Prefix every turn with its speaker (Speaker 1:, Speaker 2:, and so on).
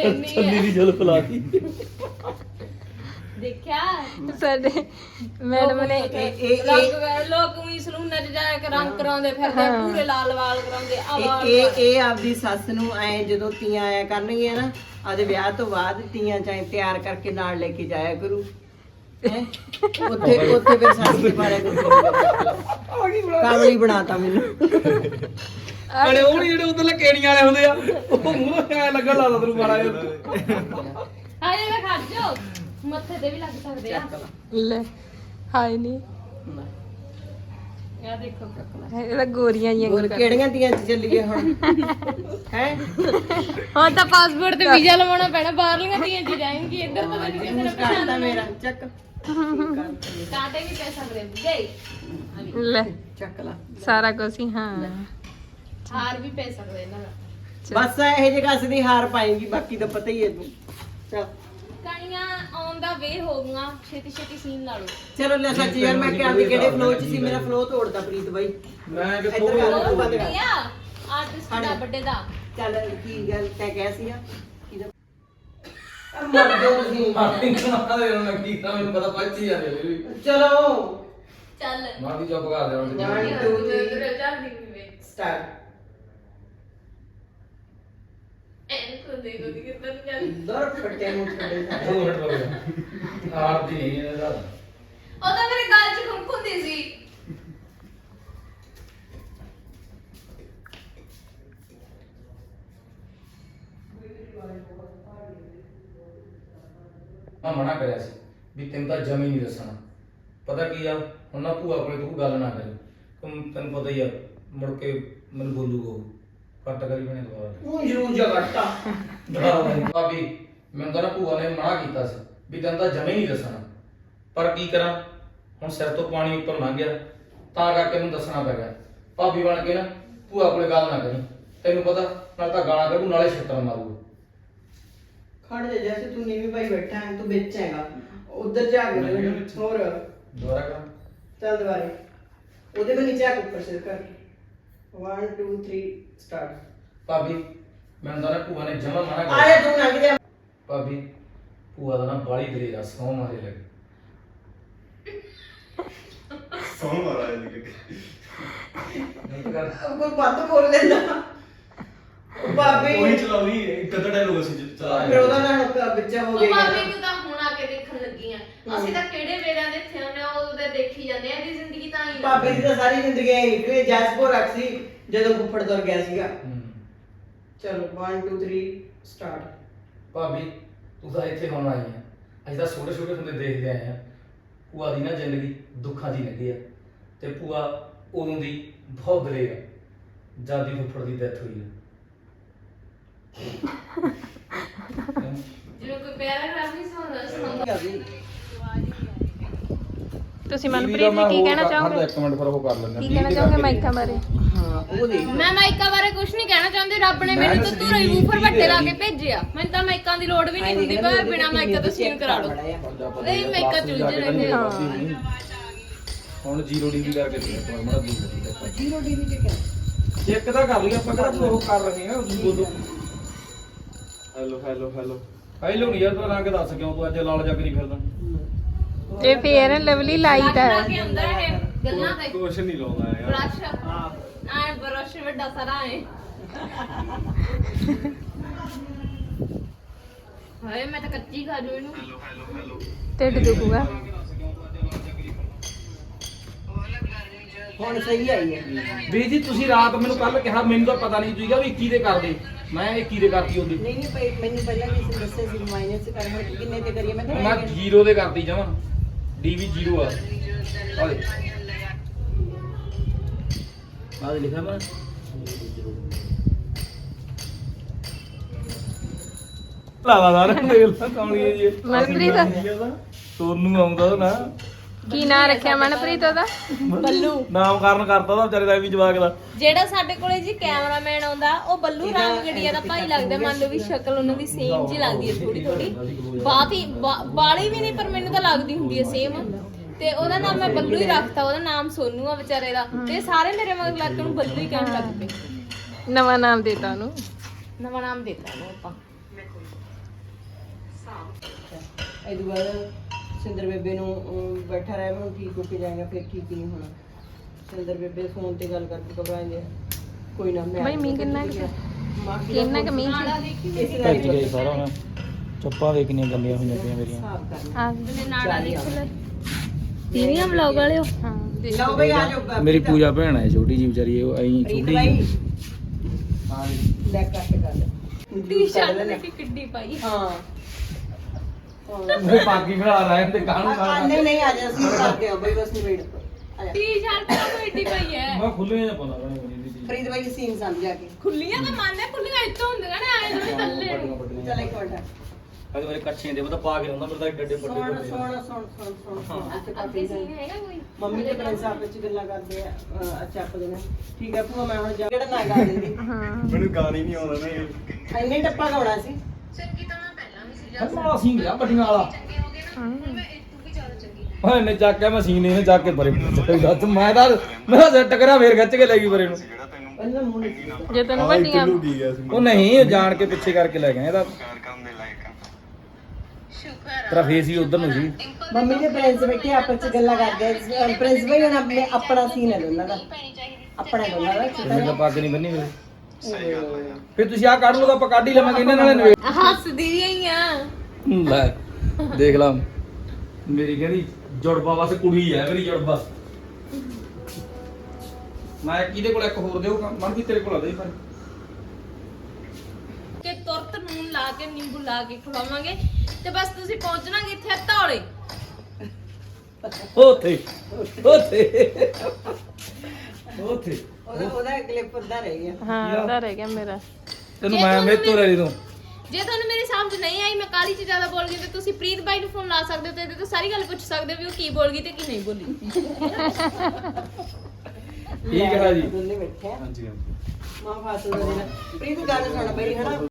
Speaker 1: ਛੱਲੀ ਦੀ ਜਲ ਫਲਾਤੀ
Speaker 2: ਦੇਖਿਆ
Speaker 3: ਸਾਡੇ ਮੈਡਮ ਨੇ
Speaker 2: ਲੋਕ ਵੀ ਸਲੂਨਾਂ 'ਚ ਜਾ ਕੇ ਰੰਗ ਕਰਾਉਂਦੇ ਫਿਰਦੇ ਪੂਰੇ ਲਾਲ ਵਾਲ ਕਰਾਉਂਦੇ
Speaker 4: ਇਹ ਆਪਦੀ ਸੱਸ ਨੂੰ ਐ ਜਦੋਂ ਤੀਆਂ ਆਇਆ ਕਰਨਗੀਆਂ ਨਾ ਆਦੇ ਵਿਆਹ ਤੋਂ ਬਾਅਦ ਤੀਆਂ ਚਾਹੇ ਤਿਆਰ ਕਰਕੇ ਨਾਲ ਲੈ ਕੇ ਜਾਇਆ ਕਰੂ ਹੈਂ? ਉੱਥੇ ਫਿਰ ਸੱਸ ਦੇ ਬਾਰੇ ਕਾਮਲੀ ਬਣਾਤਾ ਮੈਨੂੰ
Speaker 1: ਅਰੇ ਉਹ ਨੀ ਜਿਹੜੇ ਉਧਰਲੇ ਕੇਣੀਆਂ ਵਾਲੇ ਹੁੰਦੇ ਆ ਉਹ ਮੂੰਹ ਐ ਲੱਗਣ ਲੱਗਦਾ ਤੈਨੂੰ ਮਾੜਾ ਜਿਹਾ
Speaker 2: ਹਾਏ ਵੇ ਖੜ ਜਾ ਮੱਥੇ ਤੇ ਵੀ ਲੱਗ ਸਕਦੇ ਆ
Speaker 3: ਲੈ ਹਾਏ ਨਹੀਂ
Speaker 2: ਇਹ ਦੇਖੋ
Speaker 3: ਇਹਦਾ ਗੋਰੀਆਂ ਜੀਆਂ
Speaker 4: ਹੋਰ ਕਿਹੜੀਆਂ ਤੀਆਂ ਚ ਚੱਲੀਏ ਹੁਣ ਹੈ
Speaker 2: ਹਾਂ ਤਾਂ ਪਾਸਪੋਰਟ ਤੇ ਵੀਜ਼ਾ ਲਵਾਉਣਾ ਪੈਣਾ ਬਾਹਰਲੀਆਂ ਤੀਆਂ 'ਚ ਜਾਏਂਗੀ ਇੱਧਰ ਤਾਂ ਨਹੀਂ ਕਿਸੇ ਨੇ
Speaker 4: ਕਰਤਾ ਮੇਰਾ ਚੱਕ
Speaker 2: ਕਾਂਟੇ ਵੀ ਪੈ ਸਕਦੇ ਗਏ
Speaker 3: ਲੈ
Speaker 4: ਚੱਕ ਲਾ
Speaker 3: ਸਾਰਾ ਕੁਝ ਹੀ ਹਾਂ
Speaker 2: ਹਾਰ ਵੀ ਪੈ ਸਕਦੇ ਇਹਨਾਂ ਦਾ
Speaker 4: ਬਸ ਇਹ ਜੇ ਕਸ ਦੀ ਹਾਰ ਪਾਏਗੀ ਬਾਕੀ ਤਾਂ ਪਤਾ ਹੀ ਹੈ ਤੂੰ ਚੱਲ
Speaker 2: ਕਣੀਆਂ ਆਉਣ ਦਾ ਵੇ ਹੋ ਗਈਆਂ ਛੇਤੀ ਛੇਤੀ ਸੀਨ ਲਾ ਲਓ
Speaker 4: ਚਲੋ ਲੈ ਸੱਚ ਯਾਰ ਮੈਂ ਕਿਹਾ ਵੀ ਕਿਹੜੇ ਫਲੋ ਚ ਸੀ ਮੇਰਾ ਫਲੋ ਤੋੜਦਾ ਪ੍ਰੀਤ ਬਾਈ
Speaker 1: ਮੈਂ
Speaker 4: ਇੱਧਰ
Speaker 1: ਕਿੱਥੋਂ
Speaker 4: ਕਰ।
Speaker 2: ਉਹ ਬੰਦਿਆ ਆਰਟਿਸਟ ਦਾ ਵੱਡੇ ਦਾ
Speaker 4: ਚੱਲ ਕੀ ਗੱਲ ਤੈਂ ਕਿਹਾ ਸੀਗਾ ਮਰ ਜਾਓ ਤੁਸੀਂ
Speaker 1: ਮਾਰਟਿੰਗ ਸੁਣਾ ਦੇ ਉਹਨਾਂ ਕੀ ਤਾਂ ਮੈਨੂੰ ਪਤਾ ਪੱਚੀ ਜਾਂਦੇ ਵੀ
Speaker 4: ਚਲੋ
Speaker 2: ਚੱਲ
Speaker 1: ਮਾਰਦੀ ਚੁੱਪ ਕਰ ਦੇ ਹੁਣ
Speaker 4: One, two, three.
Speaker 2: ਚੱਲ ਦੀ ਵੇ
Speaker 4: ਸਟਾਰਟ
Speaker 2: ਐਨ ਕੋ ਦੇ ਦੋ ਕਿਤਨ ਚੱਲ
Speaker 4: ਦਰ ਫਟੇ ਮੂੰਹ ਛੱਡੇ
Speaker 1: 2 ਮਿੰਟ ਰੁਕ ਜਾ ਆਰਦੀ ਨਹੀਂ ਇਹਦਾ
Speaker 2: ਉਹ ਤਾਂ ਮੇਰੇ ਗਲ 'ਚ ਖੁੰਖੁੰਦੀ ਸੀ
Speaker 1: ਮੈਂ ਮਨਾ ਕਰਿਆ ਸੀ ਵੀ ਤੈਨੂੰ ਤਾਂ ਜਮੀ ਨਹੀਂ ਦੱਸਣਾ ਪਤਾ ਕੀ ਆ ਹੁਣ ਨਾ ਭੂਆ ਕੋਲੇ ਤੂੰ ਗੱਲ ਨਾ ਕਰੀ ਤੈਨੂੰ ਪਤਾ ਹੀ ਆ ਮੁੜ ਕੇ ਮੈਨੂੰ ਬੋਲੂਗਾ ਉਹ ਕੱਟ ਕਰੀ ਬਣੇ ਦੁਬਾਰਾ
Speaker 4: ਉਹ ਜਰੂਰ ਜਗਟਾ
Speaker 1: ਭਾਬੀ ਮੈਨੂੰ ਤਾਂ ਨਾ ਭੂਆ ਨੇ ਮਨਾ ਕੀਤਾ ਸੀ ਵੀ ਤੈਨੂੰ ਤਾਂ ਜਮੇ ਨਹੀਂ ਦੱਸਣਾ ਪਰ ਕੀ ਕਰਾਂ ਹੁਣ ਸਿਰ ਤੋਂ ਪਾਣੀ ਉੱਪਰ ਲੰਘ ਗਿਆ ਤਾਂ ਕਰਕੇ ਮੈਨੂੰ ਦੱਸਣਾ ਪੈ ਗਿਆ ਭਾਬੀ ਬਣ ਕੇ ਨਾ ਭੂਆ ਕੋਲੇ ਗੱਲ ਨਾ ਕਰੀ ਤੈਨੂੰ ਪਤਾ ਨਾਲ ਤਾਂ ਗਾਲਾਂ ਕੱਢੂ ਨਾਲੇ ਛੱਤਰ ਮਾਰੂ
Speaker 4: ਖੜ ਜਾ ਜੈਸੇ ਤੂੰ ਨੀਵੀਂ ਪਾਈ ਬੈਠਾ ਹੈ ਤੂੰ ਵਿੱਚ ਹੈਗਾ ਉਧਰ ਜਾ ਕੇ ਹੋਰ
Speaker 1: ਦੁਬਾਰਾ ਕਰ
Speaker 4: ਚੱਲ ਦੁਬਾਰੇ ਉਹਦੇ ਮੈਂ ਨੀਚੇ ਆ ਕੇ ਉੱਪਰ ਸਿਰ ਕਰ 1 2 3 ਸਟਾਰਟ
Speaker 1: ਭਾਬੀ ਮੈਨੂੰ ਤਾਂ ਨਾ ਭੂਆ ਨੇ ਜਮਾ ਮਨਾ ਕਰ
Speaker 4: ਆਇਆ ਤੂੰ ਲੰਘ ਜਾ
Speaker 1: ਭਾਬੀ ਭੂਆ ਦਾ ਨਾ ਬਾਲੀ ਦਲੇਰ ਆ ਸੌ ਮਾਰੇ ਲੱਗੇ
Speaker 5: ਸੌਂ ਮਾਰਾ ਇਹ
Speaker 1: ਨਹੀਂ ਕਰ
Speaker 4: ਕੋਈ ਬੰਦ ਬੋਲ ਲੈਂਦਾ ਉਹ ਬਾਬੇ
Speaker 5: ਉਹੀ ਚਲਾਉਣੀ ਇੱਕ ਅੱਧਾ ਡਾਇਲੋਗ ਅਸੀਂ ਚਲਾ
Speaker 4: ਫਿਰ ਉਹਦਾ ਨਾ ਬੱਚਾ ਹੋ
Speaker 2: ਉਹ
Speaker 4: ਗਿਆ
Speaker 2: ਭਾਵੇਂ ਤੂੰ ਤਾਂ ਹੁਣ ਆ ਕੇ ਦੇਖਣ ਲੱਗੀ ਆ ਅਸੀਂ ਤਾਂ ਕਿਹੜੇ ਵੇਲਿਆਂ ਦੇ ਇੱਥੇ ਹੁੰਦੇ ਆ ਉਹਦੇ ਦੇਖੀ ਜਾਂਦੇ ਆ ਦੀ ਜ਼ਿੰਦਗੀ ਤਾਂ ਹੀ
Speaker 4: ਬਾਬੇ ਦੀ ਤਾਂ ਸਾਰੀ ਜ਼ਿੰਦਗੀ ਐ ਨਿਕਲੀ ਜੈਸਪੋ ਰੱਖ ਸੀ ਜਦੋਂ ਫੁੱਫੜ ਤੁਰ ਗਿਆ ਸੀਗਾ ਚਲੋ 1 2 3 ਸਟਾਰਟ
Speaker 1: ਭਾਬੀ ਤੂੰ ਤਾਂ ਇੱਥੇ ਹੁਣ ਆਈ ਆ ਅਸੀਂ ਤਾਂ ਛੋਟੇ ਛੋਟੇ ਹੁੰਦੇ ਦੇਖਦੇ ਆਏ ਆ ਭੂਆ ਦੀ ਨਾ ਜ਼ਿੰਦਗੀ ਦੁੱਖਾਂ ਦੀ ਲੰਘੀ ਆ ਤੇ ਭੂਆ ਉਦੋਂ ਦੀ ਬਹੁਤ ਦਲੇਰ ਆ ਜਦ ਦੀ ਫੁੱਫੜ ਦੀ ਡੈਥ ਹੋਈ ਆ
Speaker 2: ਜਿਵੇਂ ਕੋਈ ਪੈਰਾਗ੍ਰਾਫ ਨਹੀਂ ਸੁਣਦਾ
Speaker 3: ਤੁਸੀਂ ਮਨਪ੍ਰੀਤ ਜੀ ਕੀ ਕਹਿਣਾ ਚਾਹੋਗੇ
Speaker 1: ਇੱਕ ਮਿੰਟ ਫਿਰ ਉਹ ਕਰ ਲੈਂਦੇ
Speaker 3: ਕੀ ਕਹਿਣਾ ਚਾਹੋਗੇ ਮਾਈਕਾ ਬਾਰੇ
Speaker 4: ਹਾਂ ਉਹ ਦੇਖ
Speaker 2: ਮੈਂ ਮਾਈਕਾ ਬਾਰੇ ਕੁਝ ਨਹੀਂ ਕਹਿਣਾ ਚਾਹੁੰਦੀ ਰੱਬ ਨੇ ਮੈਨੂੰ ਤਾਂ ਤੂੰ ਰੀਮੂਵਰ ਵੱਡੇ ਲਾ ਕੇ ਭੇਜਿਆ ਮੈਨੂੰ ਤਾਂ ਮਾਈਕਾਂ ਦੀ ਲੋੜ ਵੀ ਨਹੀਂ ਹੁੰਦੀ ਪਰ ਬਿਨਾ ਮਾਈਕਾ ਤੋਂ ਸੀਨ ਕਰਾ ਲਓ ਨਹੀਂ ਮਾਈਕਾ ਚੁਲਝੇ ਰਹਿੰਦੇ ਆ
Speaker 1: ਹੁਣ 0 ਡਿਗਰੀ ਕਰਕੇ ਦੇ ਮੜਾ ਦੂਰ
Speaker 4: 0 ਡਿਗਰੀ ਤੇ ਕਿਆ
Speaker 1: ਚੈੱਕ ਤਾਂ ਕਰ ਲਈ ਆਪਾਂ ਕਿਹੜਾ ਉਹ ਕਰ ਰਹੇ ਆ ਬੋਲੋ
Speaker 5: ਹੈਲੋ ਹੈਲੋ ਹੈਲੋ
Speaker 1: ਪਹਿਲੋਂ ਨਹੀਂ ਯਾਰ ਤੂੰ ਰੰਗ ਦੱਸ ਕਿਉਂ ਤੂੰ ਅੱਜ ਲਾਲ ਜੱਗ ਨਹੀਂ ਫਿਰਦਾ
Speaker 3: ਇਹ ਫੇਅਰ ਐਂਡ ਲਵਲੀ ਲਾਈਟ
Speaker 2: ਲਾ
Speaker 3: ਹੈ
Speaker 2: ਕੇ ਅੰਦਰ ਇਹ ਗੱਲਾਂ ਤੇ
Speaker 5: ਕੁਛ ਨਹੀਂ ਲਾਉਂਦਾ ਯਾਰ
Speaker 2: ਬ੍ਰਸ਼ ਆਏ ਬ੍ਰਸ਼ ਵੱਡਾ ਸਾਰਾ ਹੈ ਹਾਏ ਮੈਂ ਤਾਂ ਕੱਚੀ ਖਾ ਜੂ ਇਹਨੂੰ
Speaker 3: ਢਿੱਡ ਦੁਖੂਗਾ
Speaker 4: ਹੁਣ ਸਹੀ ਆਈ ਹੈ
Speaker 1: ਵੀਰ ਜੀ ਤੁਸੀਂ ਰਾਤ ਮੈਨੂੰ ਕੱਲ ਕਿਹਾ ਮੈਨੂੰ ਤਾਂ ਪਤਾ ਨਹੀਂ ਤੁਸੀਂ ਕਿਹਾ ਵੀ 21 ਦੇ ਕਰਦੇ ਮੈਂ 21 ਦੇ ਕਰਤੀ ਉਹਦੀ
Speaker 4: ਨਹੀਂ ਨਹੀਂ ਮੈਨੂੰ ਪਹਿਲਾਂ ਕਿਸੇ ਨੇ ਦੱਸਿਆ ਸੀ ਮਾਈਨਸ ਕਰ ਹੁਣ ਕਿੰਨੇ ਤੇ ਕਰੀਏ ਮੈਂ
Speaker 1: ਮੈਂ 0 ਦੇ ਕਰਤੀ ਜਮਾ ਡੀ ਵੀ 0 ਆ ਆਲੇ ਆਹ ਲਿਖਿਆ ਮੈਂ ਲਾਵਾਦਾਰ ਦੇਖ ਲਾ ਕੌਣੀ ਜੀ
Speaker 3: ਮਨਪ੍ਰੀਤ
Speaker 1: ਸੋਨੂੰ ਆਉਂਦਾ ਨਾ
Speaker 3: ਕੀ ਨਾਂ ਰੱਖਿਆ ਮਨਪ੍ਰੀਤ ਉਹਦਾ
Speaker 2: ਬੱਲੂ
Speaker 1: ਨਾਮਕਰਨ ਕਰਤਾ ਉਹਦਾ ਵਿਚਾਰੇ ਦਾ ਵੀ ਜਵਾਕ ਦਾ
Speaker 2: ਜਿਹੜਾ ਸਾਡੇ ਕੋਲੇ ਜੀ ਕੈਮਰਾਮੈਨ ਆਉਂਦਾ ਉਹ ਬੱਲੂ ਰਾਮਗੜੀਆ ਦਾ ਭਾਈ ਲੱਗਦਾ ਮੰਨ ਲਓ ਵੀ ਸ਼ਕਲ ਉਹਨਾਂ ਦੀ ਸੇਮ ਜੀ ਲੱਗਦੀ ਹੈ ਥੋੜੀ ਥੋੜੀ ਬਾਤ ਹੀ ਬਾਲੀ ਵੀ ਨਹੀਂ ਪਰ ਮੈਨੂੰ ਤਾਂ ਲੱਗਦੀ ਹੁੰਦੀ ਹੈ ਸੇਮ ਤੇ ਉਹਦਾ ਨਾਮ ਮੈਂ ਬੱਲੂ ਹੀ ਰੱਖਤਾ ਉਹਦਾ ਨਾਮ ਸੋਨੂ ਆ ਵਿਚਾਰੇ ਦਾ ਤੇ ਸਾਰੇ ਮੇਰੇ ਮਗਰ ਲੱਗ ਕੇ ਉਹਨੂੰ ਬੱਲੂ ਹੀ ਕਹਿਣ ਲੱਗ ਪਏ
Speaker 3: ਨਵਾਂ ਨਾਮ ਦੇਤਾ ਉਹਨੂੰ
Speaker 2: ਨਵਾਂ ਨਾਮ ਦਿੱਤਾ ਉਹਨੂੰ ਆਪਾਂ
Speaker 4: ਇਹ ਤੋਂ ਬਾਅਦ ਸਿੰਦਰ ਬੇਬੇ ਨੂੰ ਬੈਠਾ ਰਹਿ ਮੈਨੂੰ ਠੀਕ ਹੋ ਕੇ ਜਾਏਗਾ ਫਿਰ ਠੀਕ ਹੀ ਨਹੀਂ ਹੋਣਾ। ਸਿੰਦਰ ਬੇਬੇ ਫੋਨ ਤੇ ਗੱਲ ਕਰਕੇ ਘਬਰਾਉਂਦੇ ਆ। ਕੋਈ ਨਾ ਮੈਂ
Speaker 3: ਬਈ ਮੀਂਹ ਕਿੰਨਾ ਕੁ ਸੀ? ਕਿੰਨਾ ਕੁ ਮੀਂਹ ਸੀ?
Speaker 1: ਭੱਜ ਗਈ ਸਾਰਾ ਮੈਂ ਚੱਪਾਂ ਵੇ ਕਿੰਨੀਆਂ ਗੰਦੀਆਂ ਹੋਈਆਂ ਪਈਆਂ ਮੇਰੀਆਂ।
Speaker 4: ਹਿਸਾਬ ਕਰਨਾ
Speaker 3: ਆ
Speaker 2: ਤੇ ਨਾੜਾ ਦੇਖ ਲੈ
Speaker 3: ਤੀਵੀਆਂ ਵਲੌਗ ਵਾਲਿਓ ਹਾਂ
Speaker 4: ਲਓ ਬਈ ਆ ਜਾਓ
Speaker 1: ਮੇਰੀ ਪੂਜਾ ਭੈਣ ਹੈ ਛੋਟੀ ਜੀ ਵਿਚਾਰੀ ਉਹ ਐਂ
Speaker 4: ਪ੍ਰੀਤ
Speaker 1: ਛੋਟੀ
Speaker 4: ਬਾਈ
Speaker 1: ਜੀ। ਹਾਂ ਜੀ।
Speaker 4: ਲੈ ਕੱਟ ਕਰ
Speaker 2: ਟੀ-ਸ਼ਰਟ ਨੇ ਕਿੱਡੀ ਪਾਈ
Speaker 4: ਹਾਂ
Speaker 1: ਉਹ ਪਾਗੀ ਬਣਾ ਰਹਾ ਤੇ ਕਾਹਨੂੰ
Speaker 4: ਨਹੀਂ ਨਹੀਂ ਆ ਜਾ ਅਸੀਂ ਕਰਦੇ ਹਾਂ ਬਈ ਬਸ ਵੇਟ ਆ ਜਾ
Speaker 2: ਟੀ-ਸ਼ਰਟ ਤਾਂ ਕਿੱਡੀ ਪਾਈ ਹੈ
Speaker 1: ਮੈਂ ਖੁੱਲੇ ਜਾਂ ਪਾਉਂਦਾ ਬਣੇ ਬਣੀ ਦੀ
Speaker 4: ਫਰੀਦ ਬਾਈ ਸੀਨ ਸਮਝਾ ਕੇ
Speaker 2: ਖੁੱਲੀਆਂ ਤਾਂ ਮੰਨਦੇ ਖੁੱਲੀਆਂ ਇੱਥੋਂ ਹੁੰਦੀਆਂ ਨੇ ਆਏ ਥੋੜੀ ਥੱਲੇ ਨੂੰ।
Speaker 4: ਚੱਲ ਇੱਕ ਮਿੰਟ
Speaker 1: ਅਜੇ ਮੇਰੇ ਕੱਚੇ ਦੇ ਪਤਾ ਪਾ ਕੇ ਹੁੰਦਾ ਮੇਰੇ ਤਾਂ ਡੱਡੇ
Speaker 4: ਸੁਣ ਸੁਣ ਇੱਥੇ
Speaker 2: ਅੱਗੇ
Speaker 4: ਕਾਫੀ
Speaker 2: ਸੀਨ ਹੈਗਾ ਕੋਈ
Speaker 4: ਮੰਮੀ ਤੇ ਪ੍ਰਿੰਸ ਆਪਸ ਵਿੱਚ ਗੱਲਾਂ ਕਰਦੇ ਆ ਅੱਛਾ ਆਪ ਦੇ ਨਾਲ ਠੀਕ ਹੈ ਭੂਆ ਮੈਂ ਹੁਣ ਜਾ ਕਿਹੜਾ ਨਾ ਗਾ ਦਿੰਦੀ
Speaker 5: ਮੈਨੂੰ ਗਾਣਾ ਹੀ ਨਹੀਂ ਆਉਂਦਾ ਨਾ ਇਹ।
Speaker 4: ਇੰਨੇ ਟੱਪਾ ਗਾਉਣਾ ਸੀ
Speaker 1: ਅੱਛਾ ਅਸੀਂ ਗਿਆ ਵੱਡੀਆਂ ਵਾਲਾ ਓਏ ਨੇ ਚੱਕ ਕੇ ਮਸ਼ੀਨ ਇਹਨੇ ਚੱਕ ਕੇ ਪਰੇ ਦੱਸ ਮੈਂ ਤਾਂ ਸੈੱਟ ਕਰਾਂ ਫੇਰ ਖਿੱਚ ਕੇ ਲੈ ਗਈ ਪਰੇ ਨੂੰ।
Speaker 4: ਪਹਿਲਾਂ ਮੂੰਹ ਨਹੀਂ
Speaker 3: ਜੇ ਤੈਨੂੰ ਵੱਡੀਆਂ
Speaker 5: ਕਿੱਲੂ ਕੀ ਗਿਆ ਸੀ
Speaker 1: ਉਹ ਨਹੀਂ ਉਹ ਜਾਣ ਕੇ ਪਿੱਛੇ ਕਰਕੇ ਲੈ ਗਏ ਇਹਦਾ ਤੇਰਾ ਫੇਸ ਹੀ ਉਧਰ ਨੂੰ ਸੀ।
Speaker 4: ਮੰਮੀ ਤੇ ਪ੍ਰਿੰਸ ਬੈਠੇ ਆਪਸ ਵਿੱਚ ਗੱਲਾਂ ਕਰਦੇ ਆ। ਪ੍ਰਿੰਸ ਬਾਈ ਹੁਣ ਆਪਣੇ ਆਪਣਾ ਸੀਨ ਹੈ ਦੋਨਾਂ ਦਾ ਆਪਣਾ ਦੋਨਾਂ ਦਾ
Speaker 1: ਮੇਰੇ ਤਾਂ ਪੱਗ ਨਹੀਂ ਬੰਨੀ ਮੇਰੇ ਫਿਰ ਤੁਸੀਂ ਆ ਕੱਢ ਲਓ ਤਾਂ ਆਪਾਂ ਕੱਢ ਹੀ ਲਵਾਂਗੇ ਇਹਨਾਂ ਨਾਲੇ ਨਵੇਂ
Speaker 2: ਹੱਸਦੀ ਹੀ ਆ
Speaker 1: ਲੈ ਦੇਖ ਲਾ ਮੇਰੀ ਕਹਿੰਦੀ ਜੁੜਵਾ ਬਸ ਕੁੜੀ ਹੈ ਮੇਰੀ ਜੁੜਵਾ। ਮੈਂ ਕਿਹਦੇ ਕੋਲ ਇੱਕ ਹੋਰ ਦੇਉ ਮਨ ਵੀ ਤੇਰੇ ਕੋਲ ਆ ਦੇ ਪਰ
Speaker 2: ਕਿ ਤੁਰਤ ਨੂਨ ਲਾ ਕੇ ਨਿੰਬੂ ਲਾ ਕੇ ਖਵਾਵਾਂਗੇ ਤੇ ਬਸ ਤੁਸੀਂ ਪਹੁੰਚਣਾ ਕਿੱਥੇ ਧੌਲੇ
Speaker 1: ਉੱਥੇ ਉੱਥੇ ਉੱਥੇ
Speaker 4: ਉਹਦਾ ਕਲਿੱਪ ਉੱਦਾਂ ਰਹਿ ਗਿਆ
Speaker 3: ਹਾਂ ਉਹਦਾ ਰਹਿ ਗਿਆ ਮੇਰਾ
Speaker 1: ਤੈਨੂੰ ਮੈਂ ਮੇਰੇ ਤੋਂ ਲੈ ਲਈ ਤੂੰ
Speaker 2: ਜੇ ਤੁਹਾਨੂੰ ਮੇਰੀ ਸਮਝ ਨਹੀਂ ਆਈ ਮੈਂ ਕਾਲੀ ਚ ਜ਼ਿਆਦਾ ਬੋਲ ਗਈ ਤੇ ਤੁਸੀਂ ਪ੍ਰੀਤ ਬਾਈ ਨੂੰ ਫੋਨ ਲਾ ਸਕਦੇ ਹੋ ਤੇ ਇਹਦੇ ਤੋਂ ਸਾਰੀ ਗੱਲ ਪੁੱਛ ਸਕਦੇ ਹੋ ਵੀ ਉਹ ਕੀ ਬੋਲ ਗਈ ਤੇ ਕੀ ਨਹੀਂ ਬੋਲੀ
Speaker 1: ਠੀਕ ਹੈ ਜੀ
Speaker 4: ਦੋਨੇ ਬੈਠੇ ਆ
Speaker 5: ਹਾਂਜੀ ਹਾਂਜੀ
Speaker 4: ਮਾਂ ਫਾਸਲ ਦਾ ਪ੍ਰੀਤ ਗੱਲ ਸੁਣ ਬਈ ਹਨਾ